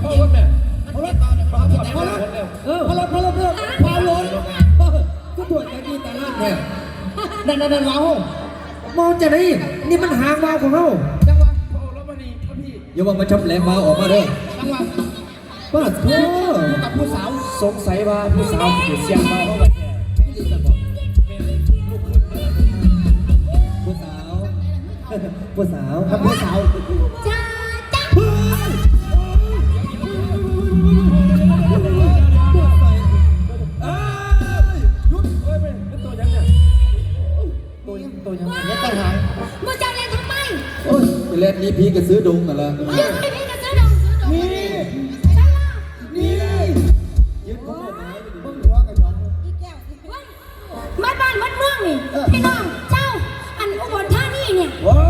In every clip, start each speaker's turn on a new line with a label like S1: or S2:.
S1: พ่อรถแม่พ่อรถพ่อรถพ่อรถพ่อรถพ่อรถพ่อรถก็ถวยตะกี้ตะลั่นเนี่ยนั่นเรามองจะได้นี่มันหางวาวของเราจังหวะพ่อรถมาดีพี่อย่าว่ามาชำแหลมวาวออกมาเด้อจังหวะป้าเธอกับผู้สาวสงสัยว่าผู้สาวเสียงวาวเขาแบบผู้สาวครับผู้สาวจ้าจ้ายุดเฮ้ยเป็นตัวยังไงตัวยังไงเนี่ยตั้งหางมึงจะเล่นทำไมโอ้ยไปเล่นนี้พี่ก็ซื้อดงกันละพี่ก็ซื้อดงนี่ยึดของผมมึงหัวกันย้อนอีแก้วมัดบ้านมัดเมืองนี่พี่น้องเจ้าอันอุบลท่านี่เนี่ย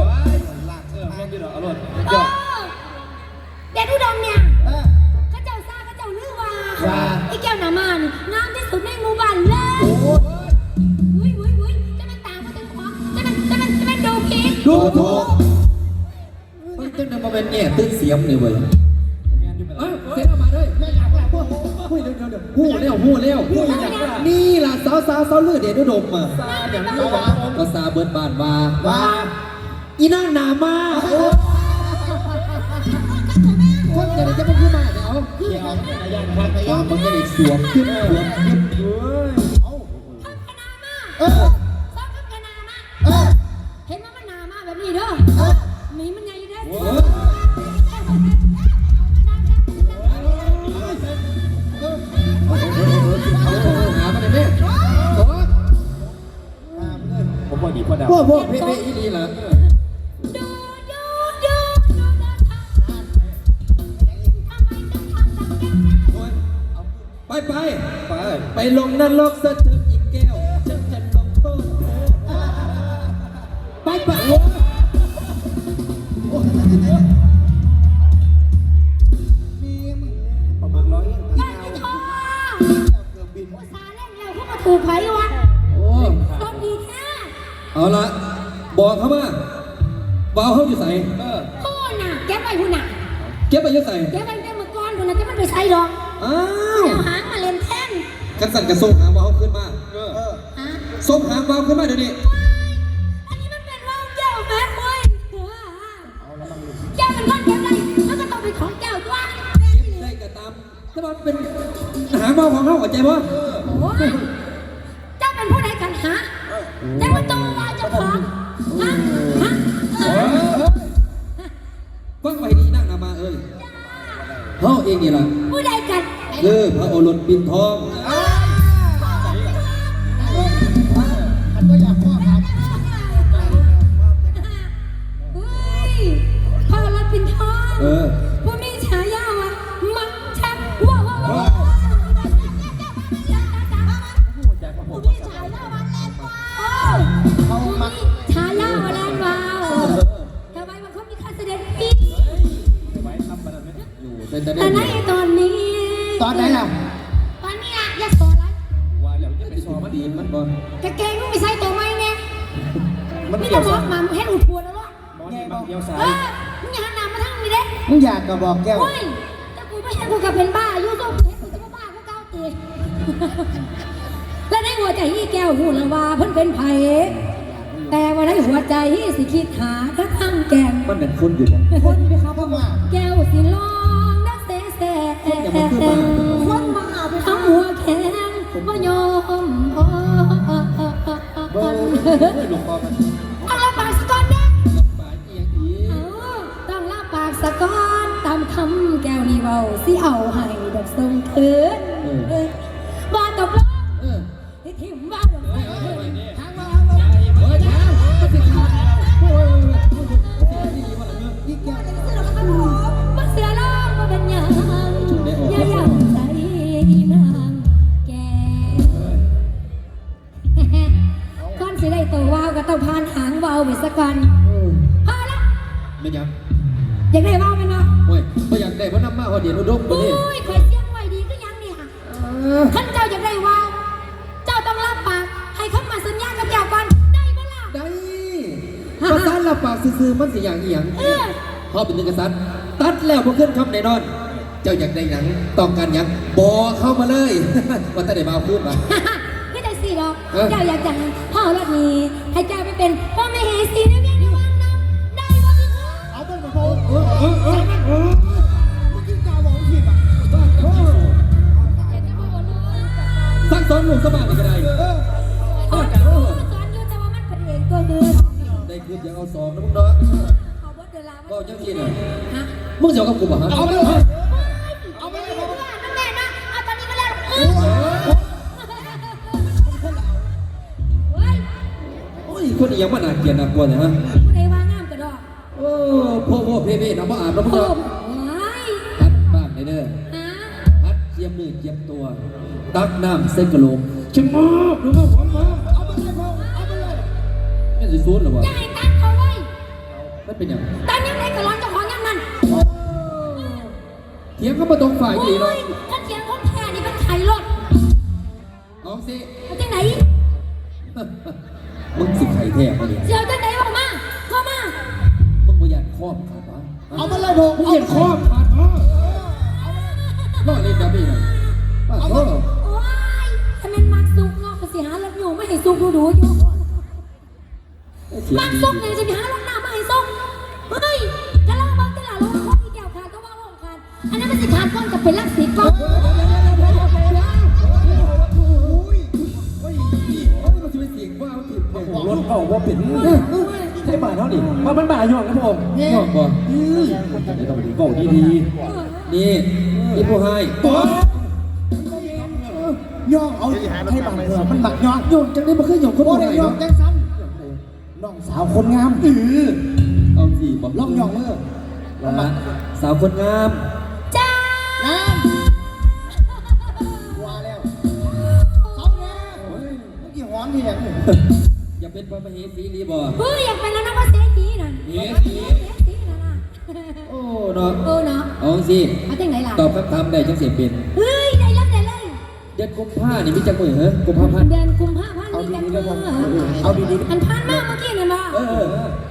S1: เด็ดอุดมเนี่ยข้าเจ้าซาข้าเจ้าลือว่าไอ้แก้วหนามานงามที่สุดในหมู่บ้านเลยวุ้ยจะมันตามมาถึงขวาจะมันดูผิดดูถูกมันจะนำมาเป็นแง่ตื้นเสียมเลยเว้ยเสร็จออกมาด้วยพูดเร็วนี่ล่ะสาวลือเด็ดอุดมมาก็ซาเบิร์ดบ้านว่าอีนั่งหนามาคนจะได้จะมาพูดมาเดี๋ยวมันจะได้สวมขึ้นเอาพัฒนามาเห็นว่ามันนามาแบบนี้เด้อมีมันใหญ่เด้อหามาเลยแม่ผมว่าดีพอดาวพวกเพ่อีลีล่ะไปลงนรกซะเถิดอีกแก้วฉันจะลงโทษไปโว้มีมึงประมาณ100ได้ไม่พอเกือบบินซาเล่นแล้วเขามาถูกไผ่วะโอ้ต้นดีแท้เอาละบอกเขามาบ่าวเขาอยู่ใส่พูดน่ะเก็บไปพูดน่ะเก็บไปอยู่ใส่เก็บไปเต็มมือก้อนพูดน่ะจะมันไปใส่หรอกอ้าวหางมาเล่นแท่นกันสั่นกระส่งหางวาวขึ้นมาส่งหางวาวขึ้นมาเดี๋ยวนี้อันนี้มันเป็นว่าวแก้วแม่เว้ยแก้วเป็นก้อนเก็บอะไรแล้วก็ต้องเป็นของแก้วด้วยเก็บได้ก็ตามแต่ว่าเป็นหางวาวของเขาหัวใจว่าเจ้าเป็นผู้ใดกันฮะแต่ว่าตัวว่าเจ้าของฮะฟังไปดีนั่งนามาเอ้ยเขาเองนี่ล่ะผู้ใดกันพระโอรสปิ่นทองอันก็อยากพ่อครับพระโอรสปิ่นทองผู้มีฉายาว่ามักชักว้าวผู้มีฉายาว่าแลนว้าวผู้มีฉายาว่าแลนว้าวทำไมมันเขามีการแสดงปีแต่ในตอนนี้ตอนไหนล่ะตอนนี้ล่ะอย่าสอนอะไรว่าแล้วจะไปสอนมันดีมันบ่กางเกงมึงไม่ใส่ตัวไหมเนี่ยมันเกี่ยวสายมามึงให้อุดทัวร์แล้วล่ะมอนมันเกี่ยวสายมึงอย่าหันหน้ามาทางนี้เด้มึงอยากก็บอกแก้วโอ้ยแต่กูไม่ใช่กูกับเป็นบ้าอยู่ก็เห็นกูจะบ้ากูเก้าตีและในหัวใจที่แก้วหูละว่าเพิ่นเป็นไผ่แต่ว่าในหัวใจสิคิดหาถ้าทางแก้มมันเป็นคนอยู่คนไปครับว่าแก้วสิลองนักเสคนมาทำหัวแข็งก็ยอมต้องลาปากสะก้อนเด้ต้องลาปากสะก้อนตามคำแก้วนี่เบาสิเอาให้ดอกทรงคืนบ้าตบล้อที่ถิ่มบ้าดอกทางว่ามาเสือร้องมาเป็นยังอย่ายังใจนางแกก้อนสิได้ตัววาวก็ต้องพานหางวาวไปสักวันพอละไม่ยังอยากได้วาวไหมเนาะโอ้ยไม่อยากได้เพราะน้ำมาพอเดี๋ยวนุ่มกว่านี้โอ้ยคอยเสียงไหวดีก็ยังเนี่ยท่านเจ้าอยากได้วาวเจ้าต้องรับปากให้เข้ามาสัญญากับแก้วก่อนได้ไหมล่ะได้ภาษารับปากซื่อๆมันสิอย่างอีหยังพ่อเป็นหนึ่งกษัตริย์ตัดแล้วพวกขึ้นคำแน่นอนเจ้าอยากได้หนังต้องการหยังบอกเข้ามาเลย ว่าแต่ได้มาพูดมา
S2: ไม่ได้สิหรอกเจ้าอยากจะให้พ่อรถนี้ให้เจ้าไปเป็นพ่อไม่เฮสีในเวียงในวังน้ำได้วะพี่พ่อเอาเป็นพ่อเมื่อกี้เจ้าบอกผิดอ่ะ
S1: สั่งสอนหนุ่มสมัครก็ได้
S2: สอนอยู่แต่ว่ามันเป็นเองตัวเดิน
S1: ได้คืนยังเอาสองนะมึงเนาะ
S2: เอาบดเดินลา
S1: ก็จังที่น่ะ
S2: ฮะ
S1: มึงเสียวกับกูป่ะฮะ
S2: เอาไปเลยเอาไปเลยแม่นะเอาตอนนี้ก็แล้ว
S1: โอ้ยคนนี้ยังมันน่าเกลียดน่ากลัวเนี่ยฮะ
S2: ผู้ใดว่างามกระดอก
S1: โอ้พ่อเพ่น้ำบ่อาบน้ำมึง
S2: โอ้
S1: เนาะ
S2: ย
S1: ตัดบ้านเด้อ
S2: ฮะ
S1: พัดเจียมมือเจียมตัว ตักน้ำเส้นกระโหลกชิมมาดูมาหอมมาเอาไปเลยพ่อเอาไปเลยนี่สิซูดหรอวะ
S2: อย่าให้ตั้งเขาไว้
S1: มันเป็นยัง
S2: ตั้งยังไงก็ร้อนเจ้าของยังมัน
S1: เถียงเขามาตรงฝ่ายดีเนาะ
S2: ถ้าเถียงคนแค่นี่มันไข่รถ
S1: เอาสิ
S2: เอาที่ไหน
S1: มึงสิไข่แท้มาเนี่ย
S2: เสียวที่ไหนบอกมาเข้ามา
S1: มึงบ่อยากครอบขาดวะ
S3: เอามาเลยผม
S1: มึงอยากครอบขาดวะรอดเล่นดับบี้หน่อยเอาเถอะ
S2: โอ้ยถ้ามันมักซุกเนาะก็สิหารถอยู่ไม่ให้ซุกดูอยู่
S1: เถียง
S2: มัก
S1: ดี
S2: ซุกเนี่ยจะไปหารถหน้าไม่ให้ซุกเฮ้ยจะเล่าบ้างแต่ละรถของอีแก้วขาดก็ว่าว่าขาดอันนั้นมันสิขาดก้อนกับเป็นลักสีก้อน
S1: มันจะไปเสียงว่ามันผิดเพลง
S3: รถเขาว่าเป็นใช่บาทเท่านี้มันบาทย่องนะผม
S1: งอกบ่
S3: ไม่ต้องดีเก่าดี
S1: นี่นี่ผู้ให้
S3: ย่องเอาให้บางเถอะมันบักย่อง
S1: โยนจังได้มาเคยหยอกคน
S3: โอ้
S1: ผู้
S3: ย
S1: ให้
S3: ย่อง
S1: เนาะ
S3: จังซ้ำน้องสาวคนงาม
S1: เอาสิบอก
S3: ล่องย่องเมื่อ
S1: ละสาวคนงาม
S2: จ้า
S3: น้ำว่าแล้วเขาแน่เมื่อกี้หอมที่อย่างนี้
S1: อย่าเป็นพระมเหสีรีบ่
S2: เฮ้ยอยากเป็นแล้วนะว่าเสียดีนั่น
S1: เฮ้ย
S2: เสียดีนั่นน่ะ
S1: โอ้เนาะ
S2: เออเนาะ
S1: เอาสิ
S2: เอาที่ไหนล่ะ
S1: ตอบคำถามได้จังเสียเป็น
S2: เฮ้ยได้แล้วได้เลย
S1: เดือนกุมภานี่มีจังมือเหรอกุมภาพันธ์
S2: เดือนกุมภาพันธ์
S3: เอา
S2: มี
S3: ดี
S2: กัน
S3: ๆ
S2: เมื่
S3: นะผม
S2: อ
S3: เอาดี
S2: อันพันมากเมื่อกี้เนี่ยมา
S1: เออ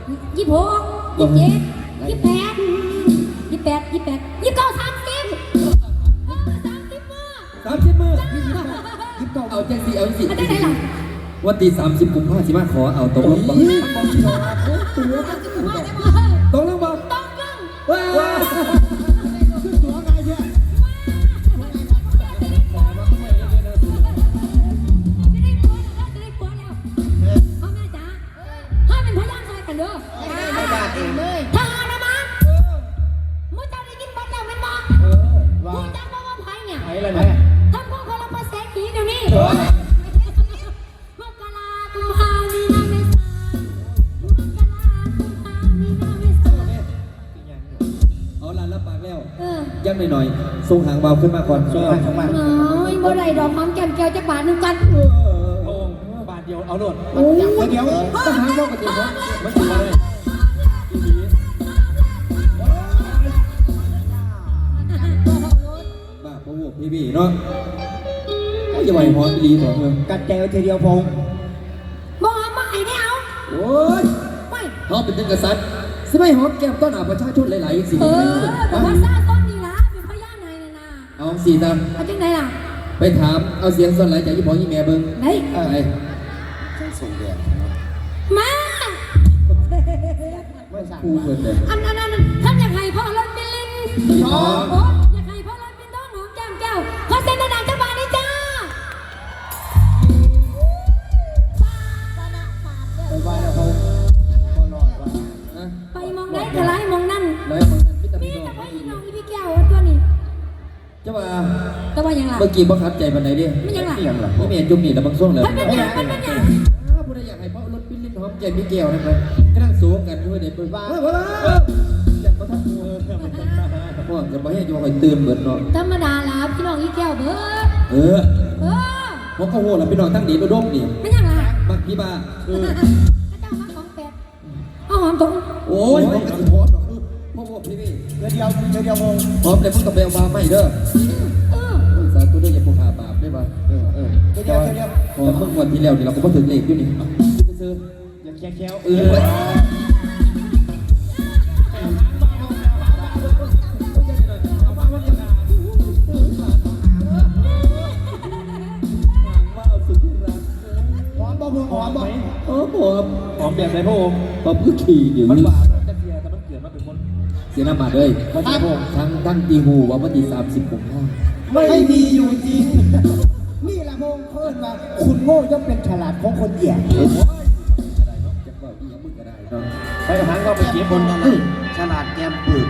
S2: 26 27 28 29
S1: 30 มือเอาจังสิเอาสิ
S2: 30เอาที่ไหนล่ะ
S1: วันที่30 กุมภาพันธ์สิมาขอเอาตกลงบ่
S2: 30มาได้บ่
S1: ตกลงบ่
S2: ต้องลง
S1: ว้า
S3: ขึ้นตัวไงเนี่ย
S2: จะได้ปัวแล้วจะได้ปัวแล้วพ่อแม่จ๋าให้เป็นพยานใส่กันเด้อ
S3: ไม่ได้เองเลย
S2: ทหารนะมั้งมึงจะได้ยินบ้านแล้วแม่นบ่
S3: ว่า
S2: มึงจำบ่ว่าไผเนี่ย
S3: ไหนล่ะแม่
S2: ทำพวกเขาเราภาษาขีเดี๋ยวนี้มกรากุมภามีนาเมษามกรากุมภามีนาเมษา
S1: เอาล่ะรับปากแล้ว
S2: อ
S1: ยังหน่อยๆส่งหางเบาขึ้นมาก่อน
S3: ส่งมา
S2: น้อยบ่ได้ดอกหอมแก้มแก้วจะบาทหนึงกัน
S3: โอ้บาทเดียวเอาโลด
S1: โอ้ย
S3: เดี๋ยว
S1: ต้องหางเบากันจริงเหรอ
S3: ไม่ถึงเลย
S1: บ้าพวกพี่เนาะอย่าไหวหอนดีสองเลย
S3: กัดแจวทีเดียวพง
S2: บ่หอมบ่ให้ได้เอา
S1: โอ้ย
S2: ไม่
S1: เขาเป็นถึงกษัตริย์สิไม่หอมแก้มต้อนหาประชาชนหลายๆสิ
S2: แต่ว่าซาต้นนี่ล่ะเป็นพยานนายน่ะนะ
S1: เอาสีตาม
S2: เอาจังไดล่ะ
S1: ไปถามเอาเสียงส่วนไหนจากยี่ปอยี่แม่เบิ้ง
S2: ไหน
S1: ไป
S3: ส่งแดด
S2: มา
S3: ไม่สั่ง
S1: คู่เปิดเลย
S2: อันท่านอยากให้พ่อรถเป็นลิง
S1: อ๋อ
S2: โอ้อยากให้พ่อรถเป็นต้นหอมแก้มแก้วขอเซ็นดังๆเจ้าบ่าวนี่จ้า
S3: ไปบ้านแล้วเขาพอนอนว่า
S1: นะ
S2: ไปมองได้ก็ไล่มองนั่น
S1: แล้วมันพิตา
S2: มี
S1: มิน
S2: แต่ว่าอีน้องอีพี่แก้วตัวนี้
S1: จะมา
S2: แต่ว่ายังล่ะ
S1: เมื่อกี้บังคับใจปันไหนดิ
S2: ไม่ยังล่ะ
S3: เอียงหรอ
S1: นี่เมียนจุ่มนี่แล้วบางช่วงเลย
S2: มันเป็นยังมันเป็นยัง
S1: ผู้ใดอยากให้พ่อรถปิ้นลิ้นหอมใจมีแก้วนะครับก็นั่งสูงกันด้วยเด็กเปิดบ้าอยากมาทักตัวพวกจะมาให้โยคอยตื่นเบิดเนาะ
S2: ธรรมดาล่ะพี่น้องอีแก้วเบิด
S1: เออ
S2: เออ
S1: เพราะเขาโหแล้วพี่น้องทั้งดีมาดมนี่
S2: ไม่ยังล่ะ
S1: บักพี่บ้า
S2: พระเจ้ามาของแปดเอาหอมตรง
S1: โอ้ยผมกระสิพร้อมหรอกคือพ่อพ่อพี่พี่
S3: เดียวพง
S1: พร้อมแต่มึงต้องไปเอามาไม่เด้อ
S2: เออ
S1: สาธุด้วยอย่าพกหาบาปได้ป่ะ
S3: เดียว
S1: พอเมื่อวันที่แล้วนี่เราก็มาถึงเลขอยู่นี่ซื้อ
S3: อย่าแค้ว
S1: เออ
S3: บ่พอบ่
S1: โอ้โห
S4: หอมแบบไหนพระองค์
S1: ผมก็ขี่อยู่
S4: มัน
S1: นี่
S4: หวานแต่เสียแต่มันเกิดมาเป็นคน
S1: เสียน้ำมันเลย
S4: มันจะพระองค์
S1: ทั้งตีหูว่าวันที่30ผมห้า
S3: ไม่มีอยู่จริงนี่แหละพงเพิ่นว่าคุณโง่ย่อมเป็นฉลาดของคนแย่
S1: โอ้ยอะไรเนาะจะบอกอีหยังมึงก็ได้เนาะ
S4: ไปหางก็ไปเก็บบน
S3: ฉลาดแกมปืน